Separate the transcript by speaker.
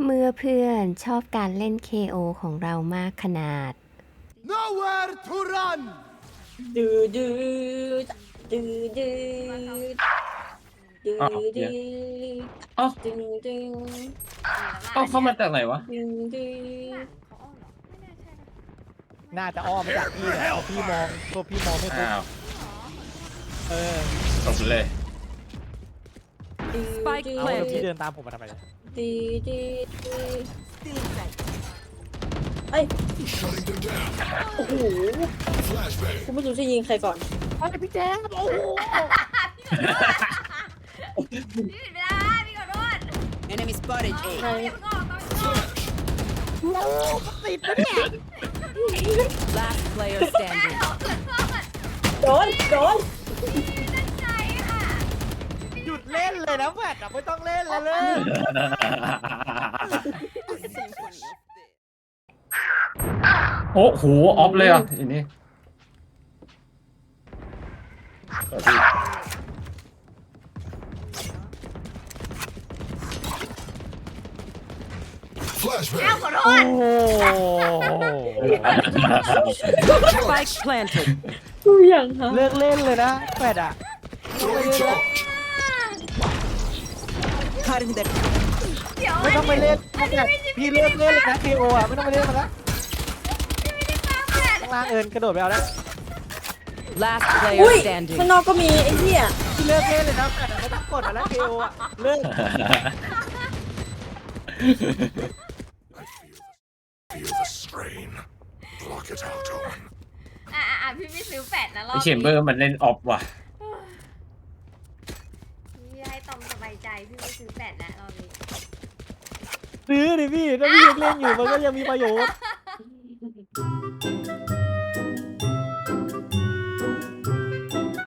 Speaker 1: เมื่อเพื่อนชอบการเล่น KO ของเรามากขนาด
Speaker 2: Nowhere to run
Speaker 3: ดื้อดื้อดื้อดื้อดื้อ
Speaker 4: อ้าว
Speaker 3: ดื้
Speaker 4: เหี้ย
Speaker 3: อ
Speaker 4: เอ้า
Speaker 3: ดื้อดื้อ
Speaker 4: เอ้าเข้ามาจากไหนวะ
Speaker 3: ดื้อดื้อ
Speaker 5: น่าจะอ้อมมาจากพี่แหละพี่มองตัวพี่มองไม่ปุ๊บ
Speaker 4: อ้าว
Speaker 5: เออ
Speaker 4: จบเลย
Speaker 3: ดื้อ
Speaker 6: Spike
Speaker 3: ดื้อ
Speaker 5: เอาแล้วพี่เดินตามผมมาทำไมเนี่ย
Speaker 3: ดื้อดื้อดื้อเอ้ยโอ้โหกูไม่รู้จะยิงใครก่อน
Speaker 5: พี่แจ๊คโอ้โห
Speaker 7: พี่ผิดเวลาพี่ขอโทษ
Speaker 6: Enemy spotted
Speaker 3: ใคร
Speaker 6: A.
Speaker 7: เดี๋ยวก็ต้อง
Speaker 5: ติดนะเนี่ย
Speaker 6: Last player standing.
Speaker 3: โดนโดน
Speaker 7: ตั้งใจค่ะ
Speaker 5: หยุดเล่นเลยนะแฟดอะไม่ต้องเล่นแล้วเลย
Speaker 4: โอ้โหออฟเลยอ่ะอันนี้พี่
Speaker 7: อ้าวขอโท
Speaker 5: โอ้
Speaker 7: ษ
Speaker 5: โห
Speaker 6: Spike planted.
Speaker 3: กูยังฮะ
Speaker 5: เลิกเล่นเลยนะแฟดอะ
Speaker 6: Cutting the
Speaker 7: เดี๋ยว
Speaker 5: ไม่ต้องไปเล่นแฟดพี่เลิกเล่นเลยนะ KO อะไม่ต้องไปเล่นมันละ
Speaker 7: ไม่ได้ฟังแผน
Speaker 5: ข้างล่างเอิญกระโดดไปเอาแล้ว
Speaker 6: last
Speaker 3: อุ้ย
Speaker 6: player standing.
Speaker 3: ข้างนอกก็มีไอ้เหี้ย
Speaker 5: พี่เลิกเล่นเลยนะแฟดอะไม่ต้องกดมาแล้ว KO อะเลิก
Speaker 8: Feel the strain. Block it out, Owen.
Speaker 7: พี่ไม่ซื้อแปดนะรอ
Speaker 4: ไอบ เชมเบอร์มันเล่นออฟว่ะ
Speaker 7: พี่ให้ตอมสบายใจพี่ไม่ซื้อแปดแล้วรอบนี้
Speaker 5: ซื้อดิพี่ถ้าพี่ยังเล่นอยู่มันก็ยังมีประโยชน์